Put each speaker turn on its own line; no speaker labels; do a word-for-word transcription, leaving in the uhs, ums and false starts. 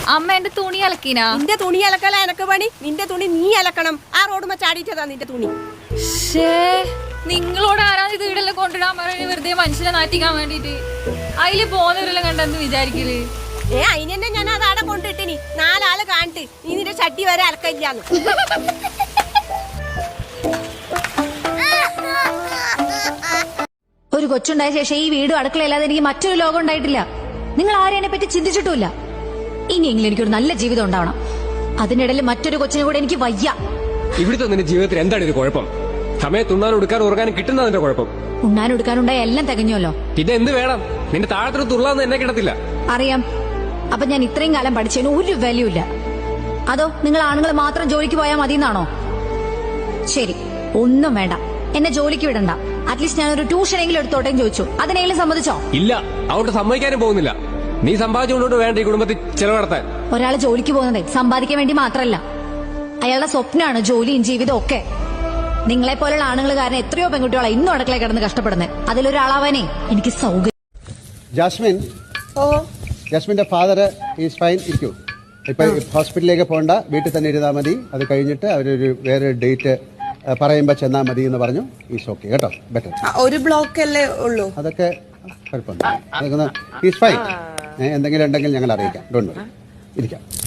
അമ്മ എന്റെ തുണി അലക്കിനാ?
നിന്റെ തുണി അലക്കല എനക്ക് പണി. നിന്റെ തുണി നീ അലക്കണം. ആ റോഡുമ്മ ചാടിയിട്ടതാ നിന്റെ തുണി.
നിങ്ങളോട് ആരാ ഇത് വീടെല്ലാം കൊണ്ടിടാൻ പറയുന്നത്? വെറുതെ മനുഷ്യനെ നാറ്റിക്കാൻ വേണ്ടിട്ട്. അതില് പോകുന്നവരെല്ലാം കണ്ടെന്ന് വിചാരിക്കല്.
ഏ അതിനെന്നെ ഞാൻ അത് ആടെ കൊണ്ടിട്ടിനി. നാലാള് കാണിട്ട് നീ നിന്റെ ചട്ടി വരെ അലക്കില്ലാന്ന്.
ഒരു കൊച്ചുണ്ടായ ശേഷം ഈ വീടും അടുക്കളയില്ലാതെ എനിക്ക് മറ്റൊരു ലോകം ഉണ്ടായിട്ടില്ല. നിങ്ങൾ ആരെയെ പറ്റി ചിന്തിച്ചിട്ടുമില്ല. ഇനിയെങ്കിലും എനിക്കൊരു നല്ല ജീവിതം ഉണ്ടാവണം. അതിനിടയിൽ മറ്റൊരു കൊച്ചിനെ കൂടെ എനിക്ക് വയ്യ.
ഇവിടുത്തെ നിന്റെ ജീവിതത്തിൽ എന്താണ് ഇത് കുഴപ്പം? സമയത്ത് ഉണ്ണാൻ ഉടുക്കാൻ ഉറങ്ങാനും കിട്ടുന്നതിന്റെ കുഴപ്പം.
ഉണ്ണാൻ ഉടുക്കാനുണ്ടായ എല്ലാം തികഞ്ഞല്ലോ.
പിന്നെ എന്ത് വേണം? നിന്റെ താഴത്തൊരു തുള്ളാന്ന് എന്നെ കിടത്തില്ല.
അറിയാം. അപ്പൊ ഞാൻ ഇത്രയും കാലം പഠിച്ചതിന് ഒരു വാല്യൂ ഇല്ല. അതോ നിങ്ങൾ ആണുങ്ങൾ മാത്രം ജോലിക്ക് പോയാൽ മതി എന്നാണോ? ശരി, ഒന്നും വേണ്ട, എന്നെ ജോലിക്ക് വിടണ്ട. അറ്റ്ലീസ്റ്റ് ഞാൻ ഒരു ട്യൂഷനെങ്കിലും എടുത്തോട്ടേന്ന് ചോദിച്ചു. അതിനെങ്കിലും സമ്മതിച്ചോ?
ഇല്ല, അവിടെ സമ്മതിക്കാനും പോകുന്നില്ല. നീ സമ്പാദിച്ചുകൊണ്ടോട്ട് വേണ്ട ഈ കുടുംബത്തിൽ ചെലവ് നടത്താൻ.
ഒരാള് ജോലിക്ക് പോകുന്നത് സമ്പാദിക്കാൻ വേണ്ടി മാത്രമല്ല. അയാളുടെ സ്വപ്നമാണ് ജോലിയും ജീവിതവും ഒക്കെ. നിങ്ങളെ പോലുള്ള ആണുങ്ങൾ കാരണം എത്രയോ പെൺകുട്ടികളെ ഇന്നും അടുക്കള കിടന്ന് കഷ്ടപ്പെടുന്നത്. അതിലൊരാളാവാനേ എനിക്ക് സൗകര്യം.
ജാസ്മിൻ,
ഓ
ജാസ്മിന്റെ ഫാദർ ഈസ് ഫൈൻ. ഇരിക്കൂ. ഇപ്പൊ ഹോസ്പിറ്റലിലേക്ക് പോകണ്ട, വീട്ടിൽ തന്നെ ഇരുന്നാൽ മതി. അത് കഴിഞ്ഞിട്ട് അവരൊരു വേറെ ഡേറ്റ് പറയുമ്പോ ചെന്നാൽ മതി എന്ന് പറഞ്ഞു. ഈസ് ഓക്കെ കേട്ടോ. ബെറ്റർ.
ഒരു ബ്ലോക്ക് അല്ലേ ഉള്ളൂ.
അതൊക്കെ കുഴപ്പമൊന്നുമില്ല. അതൊക്കെ ഈസ് ഫൈൻ. എന്തെങ്കിലും ഉണ്ടെങ്കിൽ ഞങ്ങൾ അറിയിക്കാം. Don't worry. ഇരിക്കാം.